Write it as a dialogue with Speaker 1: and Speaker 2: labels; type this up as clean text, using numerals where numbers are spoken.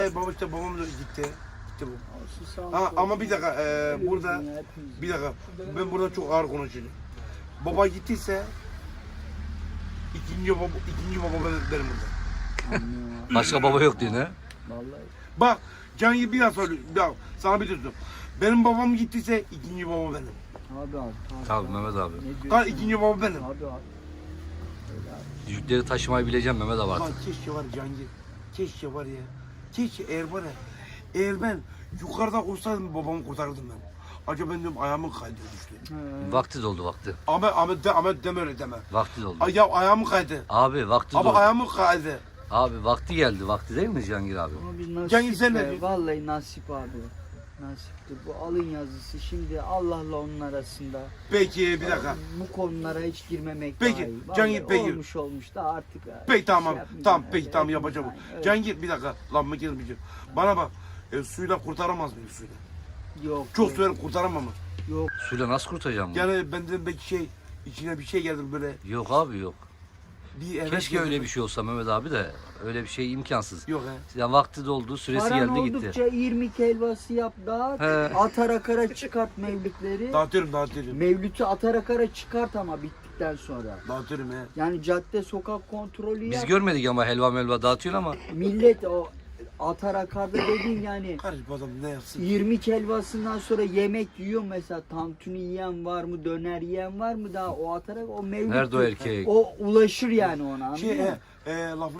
Speaker 1: Baba işte babam da gitti. Gitti bu.
Speaker 2: Olsun, sağ ol.
Speaker 1: Ha, ama bir dakika burada bir dakika ben burada çok ağır konuşuyorum. Baba gittiyse ikinci baba benim burada.
Speaker 3: Başka baba yok diyor ne?
Speaker 2: Vallahi.
Speaker 1: Bak Can bir daha söylüyorum. Ya, sana bir tutum. Benim babam gittiyse ikinci baba benim.
Speaker 2: Abi.
Speaker 3: Tabii Mehmet abi.
Speaker 2: Ne diyorsun?
Speaker 1: Ha, ikinci baba benim.
Speaker 2: Abi.
Speaker 3: Yükleri taşımayı bileceğim Mehmet abi
Speaker 1: Lan
Speaker 3: artık.
Speaker 1: keşke var Cangir. Keşke var ya. Keşke eğer var ya. Eğer ben yukarıda olsaydım babamı kurtarırdım ben. Acaba ben diyorum ayağımın kaydı düştü.
Speaker 3: Vakti doldu vakti.
Speaker 1: Ahmet deme öyle deme.
Speaker 3: Vakti doldu.
Speaker 1: Ay, ya ayağımın kaydı.
Speaker 3: Abi vakti
Speaker 1: Ama
Speaker 3: doldu.
Speaker 1: ayağımın kaydı.
Speaker 3: Abi vakti geldi. Vakti değil mi Cihangir abi?
Speaker 2: Ama bir nasip
Speaker 1: Cengiz, sen ne
Speaker 2: be.
Speaker 1: diyorsun?
Speaker 2: Vallahi nasip abi. Nasiptir. Bu alın yazısı. Şimdi Allah'la onun arasında.
Speaker 1: Peki bir dakika.
Speaker 2: Bu konulara hiç girmemek
Speaker 1: Peki,
Speaker 2: daha iyi.
Speaker 1: Cengiz,
Speaker 2: Vallahi
Speaker 1: peki.
Speaker 2: olmuş da artık.
Speaker 1: Peki tamam.
Speaker 2: yapmayacağım
Speaker 1: Tamam
Speaker 2: yani.
Speaker 1: peki tamam yapacağım.
Speaker 2: Evet.
Speaker 1: Cangir bir dakika. Lan mı girmeyeceğim. Bana bak. Suyla kurtaramaz mıyım suyla?
Speaker 2: Yok.
Speaker 1: Çok
Speaker 2: yok,
Speaker 1: suyla kurtaramam mı?
Speaker 2: Yok.
Speaker 3: Suyla nasıl kurtaracağım bunu?
Speaker 1: Yani benden belki içine bir şey geldi böyle.
Speaker 3: Yok abi yok.
Speaker 1: Bir evet
Speaker 3: Keşke
Speaker 1: geldi.
Speaker 3: öyle bir şey olsa Mehmet abi de öyle bir şey imkansız.
Speaker 1: Yok he.
Speaker 3: Yani vakti doldu, süresi
Speaker 2: Paran
Speaker 3: geldi
Speaker 2: oldukça
Speaker 3: gitti.
Speaker 2: 20 helvası yap dağıt.
Speaker 3: He.
Speaker 2: Atarakara çıkart mevlütleri.
Speaker 1: Dağıtıyorum.
Speaker 2: Mevlütü atarakara çıkart ama bittikten sonra.
Speaker 1: Dağıtıyorum he.
Speaker 2: Yani cadde sokak kontrolü
Speaker 3: Biz
Speaker 2: yap.
Speaker 3: görmedik ama helva melva dağıtıyorsun ama
Speaker 2: Millet o atarakarda dediğin yani
Speaker 1: Kardeş bu adam ne yapsın?
Speaker 2: 20 helvasından sonra yemek yiyor mesela, tantuni yiyen var mı, döner yiyen var mı, daha o atarak o mevlüt.
Speaker 3: nerede o erkek?
Speaker 2: O ulaşır yani ona, anladın
Speaker 1: Şey
Speaker 2: mı?
Speaker 1: lafını